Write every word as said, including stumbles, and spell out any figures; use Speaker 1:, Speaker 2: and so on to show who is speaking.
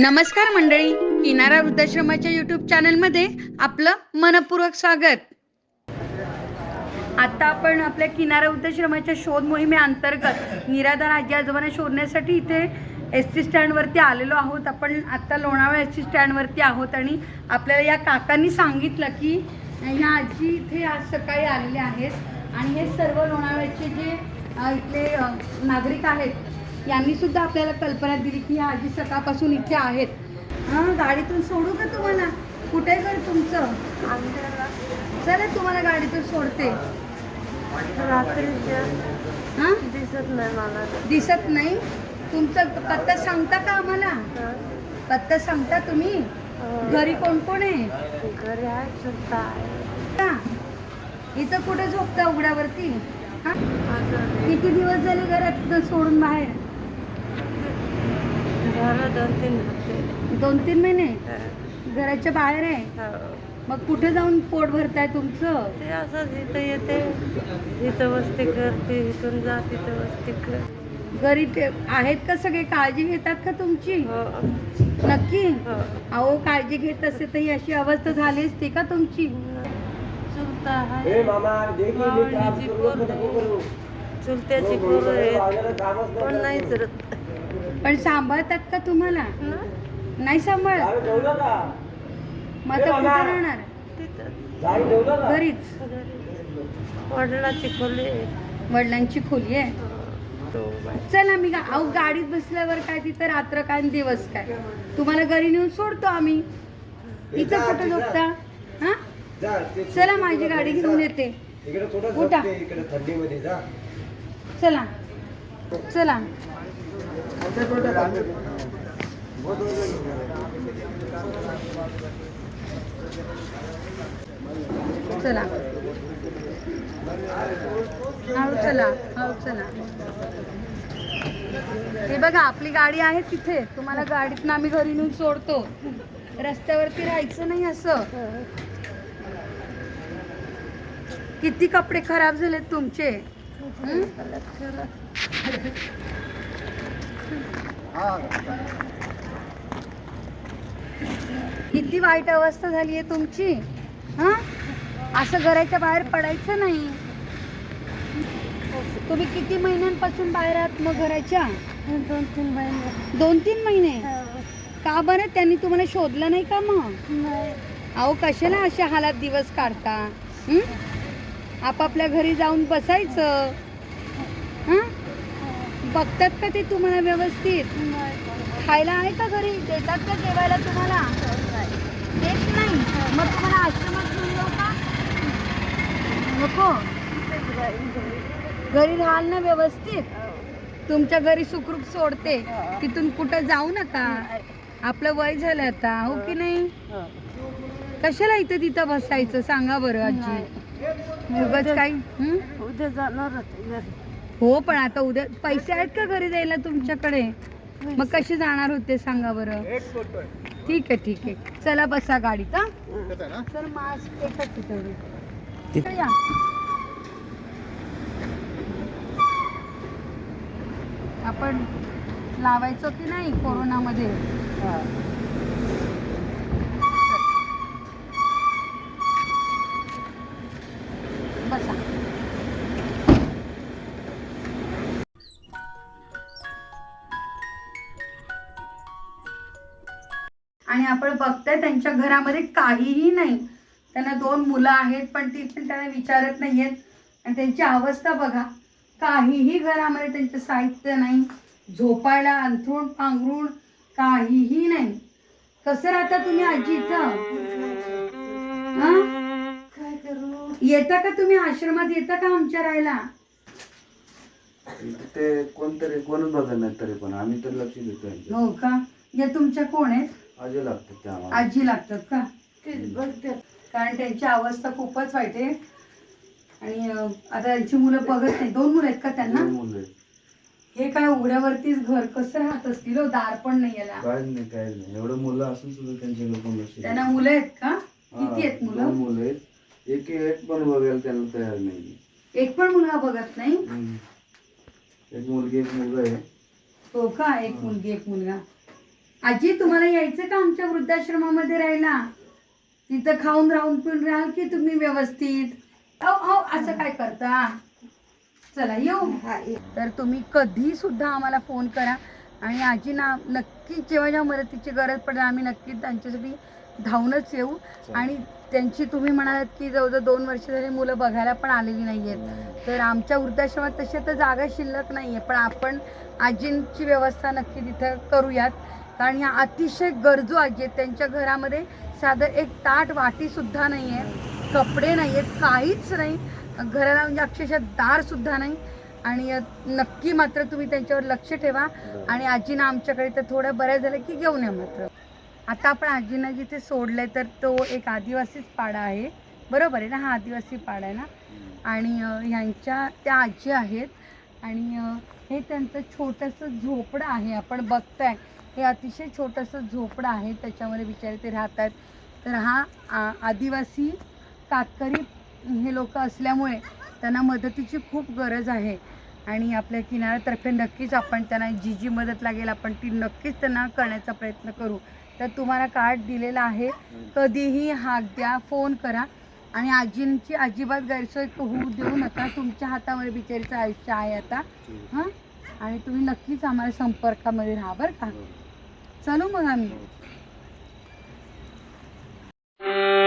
Speaker 1: नमस्कार मंडळी, किनारा वृद्धाश्रमाच्या यूट्यूब चॅनलमध्ये आपलं मनपूर्वक स्वागत. आता आपण आपल्या किनारा वृद्धाश्रमाच्या शोध मोहिमेअंतर्गत निराधार आजी आजोबांना शोधण्यासाठी इथे एस टी स्टँडवरती आलेलो आहोत. आपण आत्ता लोणावळा एस टी स्टँडवरती आहोत आणि आपल्याला या काकांनी सांगितलं की ह्या आजी इथे आज सकाळी आलेले आहेत आणि हे सर्व लोणावळ्याचे जे इथले नागरिक आहेत यांनी सुद्धा आपल्याला कल्पना दिली की ह्या आजी सकाळपासून इथे आहेत. हां, गाडीतून सोडू का तुम्हाला? कुठे घर तुमचं? चला तुम्हाला गाडीतून सोडते. हां,
Speaker 2: दिसत नाही मला.
Speaker 1: दिसत नाही? तुमचा पत्ता सांगता का आम्हाला? पत्ता सांगता तुम्ही? घरी कोण कोण आहे?
Speaker 2: घरी आहे, चुलता आहे.
Speaker 1: इथं कुठे झोपता? उघड्यावरती? हां, किती दिवस झाले घरात सोडून बाहेर?
Speaker 2: झालं दोन तीन हप्ते.
Speaker 1: दोन तीन महिने घराच्या बाहेर आहे. मग कुठे जाऊन पोट भरताय तुमचं?
Speaker 2: ते असंच इथं येते, इथं वस्ती करते, इथून जा तिथं वस्ती कर.
Speaker 1: घरी ते आहेत का सगळे? काळजी घेतात का तुमची?
Speaker 2: हो.
Speaker 1: नक्की?
Speaker 2: हो.
Speaker 1: अहो, काळजी घेत असते तर ही अशी अवस्था झाली असती का तुमची?
Speaker 2: चुलता आहे, मावळीची पोर आहे, चुलत्याची पोर आहेत, पण नाही चरत.
Speaker 1: पण सांभाळतात का तुम्हाला? नाही सांभाळत? मग आता कुठे राहणार?
Speaker 2: तिथं
Speaker 1: घरीच?
Speaker 2: वडिलाची खोली आहे.
Speaker 1: वडिलांची खोली आहे.
Speaker 2: तो बाय.
Speaker 1: चला मी गा- अहो गाडीत बसल्यावर काय तिथं रात्र काय आणि दिवस काय, तुम्हाला घरी नेऊन सोडतो आम्ही. इथं कुठं झोपता? हा, चला माझी गाडी घेऊन येते. उठा, चला चला. चला हळू चला, हळू चला. हे बघा आपली गाडी आहे तिथे. तुम्हाला गाडीतनं आम्ही घरी नेऊन सोडतो. रस्त्यावरती राहायचं नाही असं. किती कपडे खराब झालेत तुमचे. हं? किती वाईट अवस्था झाली आहे तुमची. हा, असं घराच्या बाहेर पडायचं नाही. तुम्ही किती महिन्यांपासून बाहेर आहात मग घराच्या?
Speaker 2: दोन तीन महिने.
Speaker 1: दोन तीन महिने का बरं? त्यांनी तुम्हाला शोधलं नाही का मग?
Speaker 2: नाही.
Speaker 1: अहो, कशाला अशा हालात दिवस काढता? हं? आपापल्या घरी जाऊन बसायचं. हां, बघतात का ते तुम्हाला व्यवस्थित? खायला आहे का घरी? देतात का जेवायला तुम्हाला? देत नाही? मग तुम्हाला आश्रमात घेऊन जाऊ का? नको? घरी राहाल ना व्यवस्थित? तुमच्या घरी सुखरूप सोडते. तिथून कुठं जाऊ नका. आपलं वय झालं आता, हो की नाही? कशाला इथं तिथं बसायचं सांगा बरं आजी? उगाच काही. हं?
Speaker 2: उद्या जाणार होते घरी.
Speaker 1: हो, पण आता उद्या पैसे आहेत का घरी जायला तुमच्याकडे? मग कसे जाणार होते सांगा बरं? ठीक आहे ठीक आहे, चला बसा गाडीत. हा, सर मास्क एकच तिथे या. आपण लावायचो की नाही कोरोनामध्ये? बसा. आणि आपण बघताय त्यांच्या घरामध्ये काहीही नाही. त्यांना दोन मुलं आहेत पण ती पण त्यांना विचारत नाहीयेत. आणि त्यांची अवस्था बघा. काहीही घरामध्ये त्यांचं साहित्य नाही. झोपायला अंथरूण पांघरूण काहीही नाही. कसं राहता तुम्ही आजी इथं? हा,
Speaker 2: काय करू?
Speaker 1: येता का तुम्ही आश्रमात? येता का आमच्या राहायला?
Speaker 3: ते कोणतरी कोणच बघत नाही तरी पण आम्ही तर लक्ष देतो.
Speaker 1: हो का? या तुमच्या कोण आहेत?
Speaker 3: आजी लागतात ते आम्हाला.
Speaker 1: आजी लागतात का?
Speaker 2: तेच बघते.
Speaker 1: कारण त्यांची अवस्था खूपच वाईट आहे. आणि आता त्यांची मुलं बघत नाही. दोन मुलं आहेत का त्यांना?
Speaker 3: दोन मुलं आहेत.
Speaker 1: हे काय उघड्यावरतीच घर कसं राहत असतील हो? दार पण नाही याला.
Speaker 3: काय नाही काय नाही एवढं मुलं असून सुद्धा त्यांच्याकडे कोण लक्ष देत
Speaker 1: त्यांना
Speaker 3: नाही.
Speaker 1: मुलं आहेत का?
Speaker 3: हा,
Speaker 1: किती आहेत
Speaker 3: दोन
Speaker 1: मुलं?
Speaker 3: मुलं आहेत. एक एक पण बघायला त्यांना तयार नाही.
Speaker 1: एक पण मुलगा बघत नाही?
Speaker 3: एक मुलगी एक मुलगा आहे.
Speaker 1: हो का? एक मुलगी एक मुलगा. आजी तुम्हाला यायचं का आमच्या वृद्धाश्रमामध्ये राहायला? तिथं खाऊन राहून पिऊन राहाल की तुम्ही व्यवस्थित? अहो अहो असं काय करता? चला येऊ. तर तुम्ही कधी सुद्धा आम्हाला फोन करा आणि आजीना नक्कीच जेव्हा जेव्हा मदतीची गरज पडेल आम्ही नक्कीच त्यांच्यासाठी धावूनच येऊ. आणि त्यांची तुम्ही म्हणालात की जवळजवळ दोन वर्ष झाली मुलं बघायला पण आलेली नाही आहेत, तर आमच्या वृद्धाश्रमात तशा तर जागा शिल्लक नाही आहे, पण आपण आजींची व्यवस्था नक्की तिथं करूयात. कारण ह्या अतिशय गरजू आजी आहेत. त्यांच्या घरामध्ये साधं एक ताट वाटीसुद्धा नाही आहे, कपडे नाही आहेत, काहीच नाही. घराला म्हणजे अक्षरशः दारसुद्धा नाही. आणि नक्की मात्र तुम्ही त्यांच्यावर लक्ष ठेवा आणि आजींना आमच्याकडे तर थोडं बरं झालं की घेऊन या मात्र. आता आपण आजींना जिथे सोडलंय तर तो एक आदिवासीच पाडा आहे, बरोबर आहे ना? हा आदिवासी पाडा आहे ना. आणि ह्यांच्या त्या आजी आहेत आणि हे त्यांचं छोटंसं झोपडं आहे. आपण बघताय हे अतिशय छोटंसं झोपडं आहे, त्याच्यामध्ये बिचारे ते राहतात. तर हा आ आदिवासी कातकरी हे लोक असल्यामुळे त्यांना मदतीची खूप गरज आहे आणि आपल्या किनाऱ्यातर्फे नक्कीच आपण त्यांना जी जी मदत लागेल आपण ती नक्कीच त्यांना करण्याचा प्रयत्न करू. तर तुम्हाला कार्ड दिलेलं आहे, कधीही हाक द्या, फोन करा आणि आजींची अजिबात गैरसोय होऊ देऊ नका. तुमच्या हातामध्ये बिचारीचं आयुष्य आहे आता. हां, आणि तुम्ही नक्कीच आम्हाला संपर्कामध्ये राहा बरं का. चलू मग आम्ही.